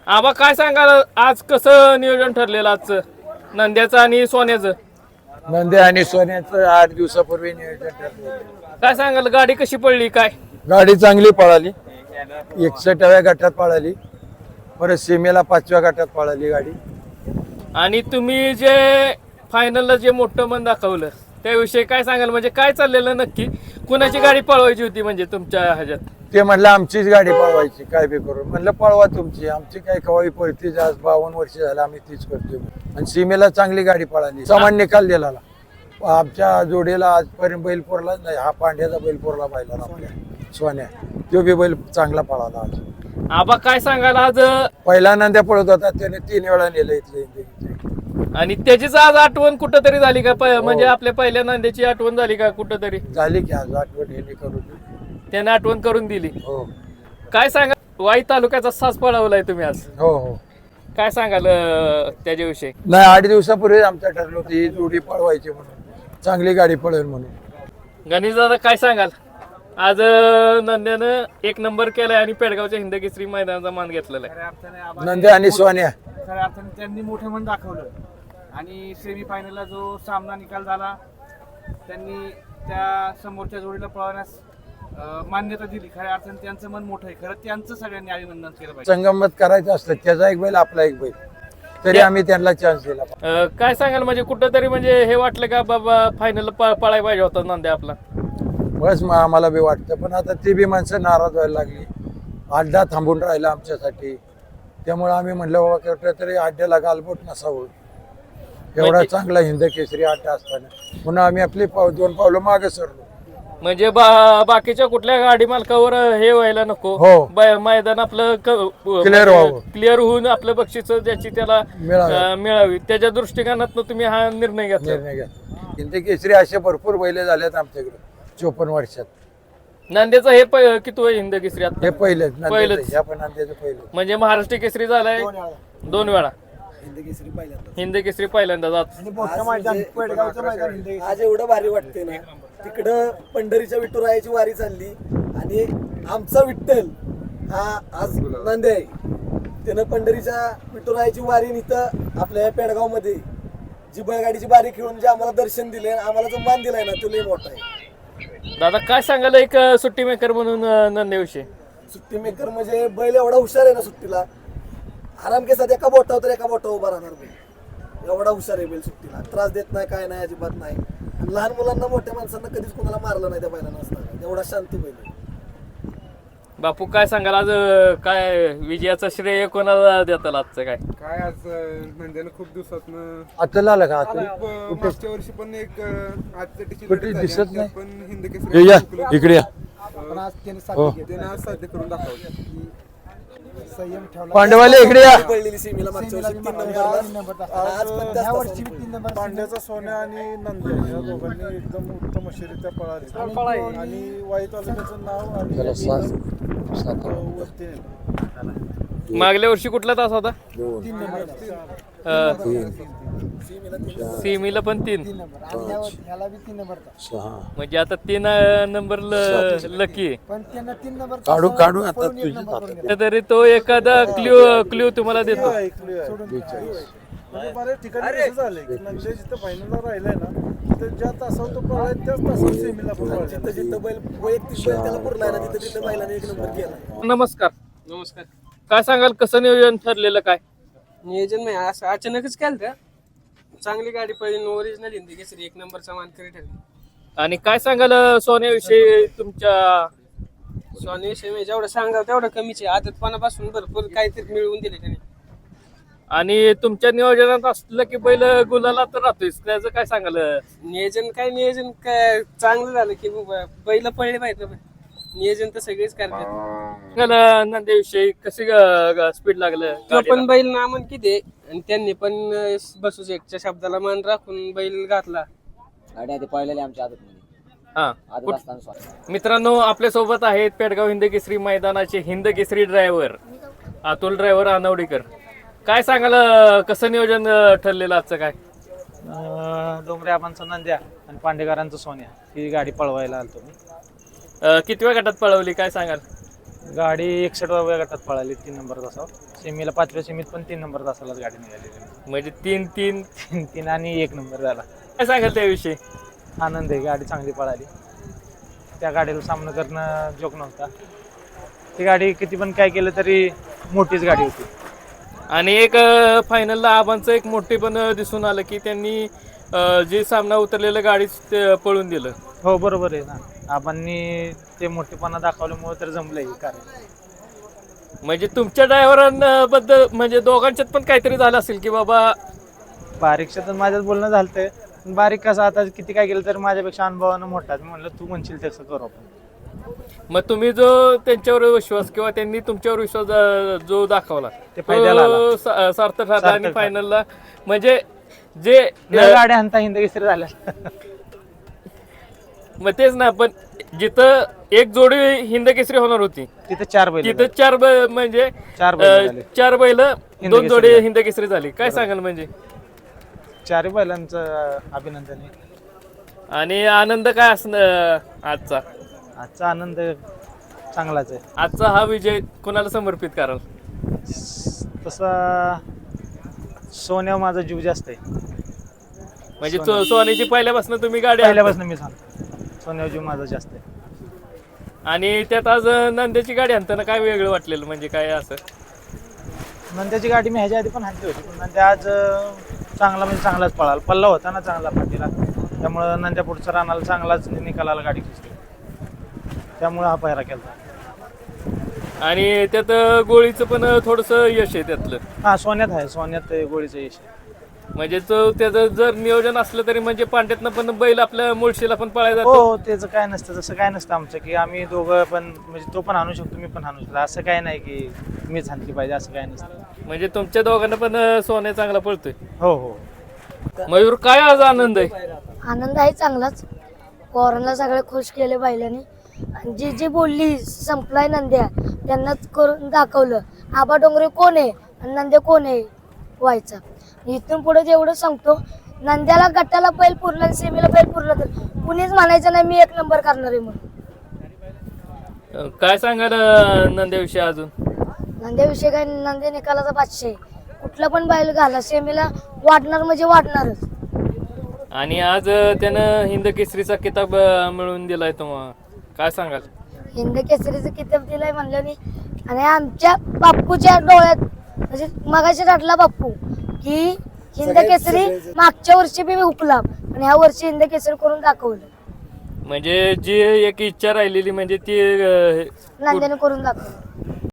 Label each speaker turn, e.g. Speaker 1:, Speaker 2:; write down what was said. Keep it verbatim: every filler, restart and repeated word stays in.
Speaker 1: आबा काय सांगाल आज कसं नियोजन ठरलेलं आजचं नंद्याचं आणि सोन्याचं?
Speaker 2: नंदे आणि सोन्याचं आठ दिवसापूर्वी नियोजन ठरलं.
Speaker 1: काय सांगाल गाडी कशी पडली काय?
Speaker 2: गाडी चांगली पळाली, एकसष्टाव्या गटात पळाली, परत सीमेला पाचव्या गटात पळाली गाडी.
Speaker 1: आणि तुम्ही जे फायनलला जे मोठं मन दाखवलं त्याविषयी काय सांगाल? म्हणजे काय चाललेलं नक्की? कुणाची गाडी पळवायची होती म्हणजे तुमच्या ह्याच्यात?
Speaker 2: ते म्हणलं आमचीच गाडी पळवायची काय बी करून. म्हणलं पळवा तुमची, आमची काय कवाई पळतीच. आज बावन्न वर्ष झालं आम्ही तीच करतोय. आणि सीमेला चांगली गाडी पळाली, समान निकाल दिला. आमच्या जोडीला आजपर्यंत बैलपोरला नाही, हा पांड्याचा बैलपोरला पाहिला आपल्या सोन्या, तो बी बैल चांगला पळाला आज.
Speaker 1: आबा काय सांगाल आज?
Speaker 2: पहिला नंद्या पळत होता त्याने तीन वेळा नेलं इथले.
Speaker 1: आणि त्याचीच आज आठवण कुठं तरी झाली का? प- म्हणजे आपल्या पहिल्या नांद्याची आठवण झाली का कुठं तरी?
Speaker 2: झाली की आज आठवण हे करून.
Speaker 1: त्याने आठवण करून दिली.
Speaker 2: हो
Speaker 1: काय सांगाल? वाई तालुक्याचा साज पळवलाय तुम्ही आज,
Speaker 2: हो हो.
Speaker 1: काय सांगाल अं, त्याच्याविषयी?
Speaker 2: नाही, आठ दिवसापूर्वी आमचं ठरलं होतं ही जोडी पळवायची म्हणून, चांगली गाडी पळेल म्हणून.
Speaker 1: गणेश दादा काय सांगाल? आज अं, नंद्यानं एक नंबर केलाय आणि पेडगावच्या हिंदकेसरी मैदानाचा मान घेतलेला आहे.
Speaker 2: नंद्या आणि सोन्या
Speaker 3: खऱ्या अर्थाने त्यांनी मोठं मन दाखवलं आणि सेमी फायनलला जो सामना निकाल झाला त्यांनी त्या समोरच्या जोडीला पळवण्यास अं, मान्यता दिली. खऱ्या अर्थाने त्यांचं मन मोठं आहे. खरं त्यांचं सगळ्यांनी अभिनंदन केलं पाहिजे.
Speaker 2: संगमत करायचं असतं, त्याचा एक बैल आपला एक बैल, तरी आम्ही त्यांना चान्स दिला.
Speaker 1: अं, काय सांगाल? म्हणजे कुठं तरी म्हणजे हे वाटलं का बाबा फायनल पळायला पाहिजे होता नंद्या आपला?
Speaker 2: बस मग आम्हाला बी वाटतं, पण आता ती बी माणसं नाराज व्हायला लागली. अड्डा थांबून राहिला आमच्यासाठी, त्यामुळे आम्ही म्हणलं बाबा कुठं तरी अड्ड्याला गालबोट नसावं. एवढा चांगला हिंद केसरी अड्डा असताना पुन्हा आम्ही आपली पाव दोन पावलं मागे सरलो.
Speaker 1: म्हणजे बा- बाकीच्या कुठल्या गाडी मालकावर हे व्हायला नको.
Speaker 2: हो.
Speaker 1: ब- मैदान आपलं
Speaker 2: Clear व्हावं.
Speaker 1: क्लिअर होऊन आपलं बक्षीस ज्याची त्याला
Speaker 2: मिळावी.
Speaker 1: अं, मिळावी त्या दृष्टिकोनातून तुम्ही हा निर्णय घेतला.
Speaker 2: निर्णय घ्या. हिंद केसरी असे भरपूर बैले झालेत आमच्याकडे चोपन्न वर्षात.
Speaker 1: नांद्याचं हे प- किती वय हिंद केसरी आता?
Speaker 2: हे पहिलेच
Speaker 1: पहिलेच.
Speaker 2: नंद्याचं, ह्या पण नंद्याचं पहिलं.
Speaker 1: म्हणजे महाराष्ट्र केसरी झालाय दोन वेळा. हिंद केसरी पहिल्यांदा जात.
Speaker 4: आज एवढं भारी वाटते ना, तिकडं पंढरीच्या विठुरायाची वारी चालली आणि आमचा विठ्ठल हा आज नंदे आहे. त्यानं पंढरीच्या विठुरायाची वारी इथं आपल्या पेडगाव मध्ये जी बैलगाडीची बारी खेळून जे आम्हाला दर्शन दिले, आम्हाला जो मान दिलाय ना, तो लय मोठा आहे.
Speaker 1: दादा काय सांगाल एक अं, सुट्टी मेकर म्हणून अं, नंद्याविषयी?
Speaker 4: सुट्टी मेकर म्हणजे बैल एवढा हुशार आहे ना, सुट्टीला आराम केसात एका बोटावर तर एका बोटावर उभा राहणार बैल. एवढा हुशार आहे बैल सुट्टीला, त्रास देत नाही, काय नाही, अजिबात नाही. लहान मुलांना मोठ्या माणसांना कधीच कोणाला मारलं नाही त्या बैलांना असताना. एवढा शांती बैल आहे.
Speaker 1: बापू काय सांगाल आज अं, काय विजयाचं श्रेय कोणाला देताल आजचं काय?
Speaker 5: काय आज नंद्यानं खूप दिवसातनं
Speaker 2: आता आलं का आता?
Speaker 5: खूप मागच्या वर्षी पण एक आजच्या टीची
Speaker 2: कुठे दिसत नाही.
Speaker 5: पण हिंद
Speaker 2: हे
Speaker 5: केसरी
Speaker 2: या इकडे या. हो.
Speaker 5: त्याने आज साध्य करून दाखवलं.
Speaker 2: पांडवाले इकडे या.
Speaker 4: पडलेली सीमेला मागच्या वर्षी तीन नंबरला. आज पण त्याच तासाला
Speaker 6: पांड्याचा सोन्या आणि नंद्या या दोघांनी एकदम उत्तम अशी पळाली आणि वाई तालुक्याचं नाव आणि
Speaker 2: जरा सास- सात-
Speaker 6: वरती नेलं.
Speaker 1: मागल्या वर्षी कुठला तास होता?
Speaker 6: तीन नंबर
Speaker 1: अं, सीमीला पण तीन.
Speaker 6: ह्याला बी तीन नंबर
Speaker 2: सहा.
Speaker 1: म्हणजे आता तीन अं, नंबर लकी आहे.
Speaker 6: पण त्यांना तीन नंबर
Speaker 2: काढू काढू आता तुझी हातात.
Speaker 1: तरी तो एखादा क्ल्यू क्ल्यू तुम्हाला देतो.
Speaker 6: म्हणजे बऱ्याच ठिकाणी कसं झालंय की नंद्या जिथं फायनलला राहिलाय ना, तर ज्या तासावर तो पळाय त्याच तासावर सेमीला पण पळाला.
Speaker 4: जिथं जिथं बैल वैयक्तिक बैल त्याला पुरलाय ना, तिथं तिथं बैलाने एक नंबर केला.
Speaker 1: नमस्कार. नमस्कार. काय सांगाल कसं नियोजन ठरलेलं काय?
Speaker 7: नियोजन नाही, असं अचानकच केलं त्या. चांगली गाडी पळली, ओरिजिनल हिंदी केसरी एक नंबरचा मानकरी ठरली.
Speaker 1: आणि काय सांगाल अं, सोन्याविषयी तुमच्या?
Speaker 7: स्वानीविषयी म्हणजे जेवढं सांगावं तेवढं कमीच आहे. आदतपणापासून भरपूर काहीतरी मिळवून दिले त्याने.
Speaker 1: आणि तुमच्या नियोजनात असलं की बैल गुलाला तर राहतोय, त्याचं काय सांगाल?
Speaker 7: नियोजन काय नियोजन काय चांगलं झालं की बाबा बैल पळले पाहिजे ना. नियोजन तर सगळेच करतात.
Speaker 1: नंद्याविषयी कशी स्पीड लागलं
Speaker 7: तो
Speaker 1: गाडीला?
Speaker 7: पण बैल नामन किती आहे आणि त्यांनी पण अं, बसू शेठच्या शब्दाला मान राखून बैल घातला.
Speaker 8: गाडी आधी पळलेली आमच्या आदतमध्ये
Speaker 1: हा.
Speaker 8: आदत
Speaker 1: कुठ-
Speaker 8: असताना स्वामी.
Speaker 1: मित्रांनो आपल्या सोबत आहेत पेडगाव हिंद केसरी मैदानाचे हिंद केसरी ड्रायव्हर अतुल ड्रायव्हर अनवडीकर. काय सांगाल अं, कसं नियोजन अं, ठरलेलं आजचं काय?
Speaker 3: डोंगरे आबांचा नंद्या आणि पांडेकरांचा सोन्या ही गाडी पळवायला आलतो मी.
Speaker 1: अं, कितव्या गटात पळवली काय सांगाल?
Speaker 9: गाडी एकसष्ट गटात पळाली तीन नंबर तासावर. सेमीला पाचव्या सेमीत पण तीन नंबर तासालाच गाडी निघाली.
Speaker 1: म्हणजे तीन तीन
Speaker 9: तीन तीन आणि एक नंबर झाला.
Speaker 1: काय सांगाल त्याविषयी?
Speaker 9: आनंद आहे, गाडी चांगली पळाली. त्या गाडीला सामना करणं जोक नव्हता. ती गाडी किती पण काय केलं तरी मोठीच गाडी होती.
Speaker 1: आणि एक फायनलला आबांचं एक मोठेपण दिसून आलं की त्यांनी अं, जे सामना उतरलेलं गाडीच ते पळून दिलं.
Speaker 9: हो बरोबर आहे ना, आबांनी ते मोठेपणा दाखवल्यामुळे तर जमलंय कार्य.
Speaker 1: म्हणजे तुमच्या ड्रायव्हरांबद्दल म्हणजे दोघांच्यात पण काहीतरी झालं असेल की बाबा
Speaker 9: बारीकच्या तर माझ्याच बोलणं झालंय. पण बारीक कसं आता किती काय केलं तर माझ्यापेक्षा अनुभवानं मोठा आहे. म्हणलं तू म्हणशील तसं करू आपण.
Speaker 1: मग तुम्ही जो त्यांच्यावर विश्वास किंवा त्यांनी तुमच्यावर विश्वास अं, जो दाखवला
Speaker 9: ते फायद्याला आला.
Speaker 1: तो सा- सार्थक ठरला. आणि
Speaker 9: सार्थक
Speaker 1: फायनलला म्हणजे जे
Speaker 9: लय गाड्या हंता हिंद केसरी झाल्या.
Speaker 1: मग तेच ना, पण जिथं एक जोडी हिंद केसरी होणार होती
Speaker 9: तिथे चार बैल
Speaker 1: तिथं चार ब- म्हणजे
Speaker 9: चार बैल
Speaker 1: अं,
Speaker 9: झाले.
Speaker 1: चार बैल
Speaker 9: हिंद
Speaker 1: दोन
Speaker 9: केसरी
Speaker 1: जोडी
Speaker 9: झाले.
Speaker 1: हिंद केसरी झाली. काय सांगाल म्हणजे?
Speaker 9: चारही बैलांचं अभिनंदन आहे.
Speaker 1: आणि आनंद काय असणार आजचा?
Speaker 9: आजचा आनंद चांगलाच आहे.
Speaker 1: आजचा हा विजय कोणाला समर्पित कराल?
Speaker 9: तसा सोन्यावर माझा जीव जास्त आहे.
Speaker 1: म्हणजे सो- सोन्याची पहिल्यापासून तुम्ही गाडी
Speaker 9: पहिल्यापासून मी सांगतो सोन्यावर जीव माझा जास्त आहे.
Speaker 1: आणि त्यात आज नंद्याची गाडी आणताना काय वेगळं वाटलेलं म्हणजे काय असं?
Speaker 9: नंद्याची गाडी मी ह्याच्या आधी पण हाणली होती, पण नंद्या आज अं, चांगला म्हणजे चांगलाच पळाला. पल्ला होता ना चांगला पाठीला, त्यामुळं नंद्या पुढचा रानाला चांगलाच निकालाला गाडी खेचली. त्यामुळं हा पायरा केला.
Speaker 1: आणि त्यात गोळीचं पण थोडंसं यश आहे त्यातलं.
Speaker 9: हा सोन्यात आहे, सोन्यात गोळीचं यश आहे.
Speaker 1: म्हणजे तो त्याचं जर नियोजन असलं तरी म्हणजे पांड्यातनं पण बैल आपल्या मुळशीला पण पळायला
Speaker 9: हो
Speaker 1: जातो.
Speaker 9: हो, त्याचं काय नसतं, तसं काय नसतं आमचं की आम्ही दोघं पण म्हणजे तो पण आणू शकतो मी पण आणू शकतो. असं काय नाही की मीच आणली पाहिजे असं काय नसतं.
Speaker 1: म्हणजे तुमच्या दोघांना पण सोन्या चांगला पळतोय.
Speaker 9: हो हो.
Speaker 1: मयूर काय आज आनंद आहे?
Speaker 10: आनंद आहे चांगलाच. पोरांना सगळे खुश केले बैलांनी. आणि जी जी बोलली संपलाय नंद्या त्यांनाच करून दाखवलं. आबा डोंगरे कोण आहे आणि नंद्या कोण आहे व्हायचा. इथून पुढे जेवढं सांगतो, नंद्याला गटाला बैल पुरला आणि सेमीला बैल पुरला तर कुणीच म्हणायचं नाही मी एक नंबर करणार आहे म्हणून.
Speaker 1: काय सांगाल अं, नंद्याविषयी अजून?
Speaker 10: नंद्याविषयी काय, नंद्या निकालाचा बादशाह आहे. कुठला पण बैल घाला सेमीला वाढणार म्हणजे वाढणारच.
Speaker 1: आणि आज अं, त्यानं हिंद केसरीचा किताब अं, मिळवून दिलाय तुम्हाला. काय सांगाल?
Speaker 10: हिंद केसरीचं किताब दिलाय म्हणलं आणि आमच्या बाप्पूच्या डोळ्यात म्हणजे मगाशी रडला बाप्पू की हिंद
Speaker 4: सगळ्यात-
Speaker 10: केसरी
Speaker 4: सगळ्यात-
Speaker 10: मागच्या वर्षी बी हुकला आणि ह्या वर्षी हिंद केसरी करून दाखवलं.
Speaker 1: म्हणजे जी एक इच्छा राहिलेली म्हणजे ती अं,
Speaker 10: नंद्याने करून दाखवलं.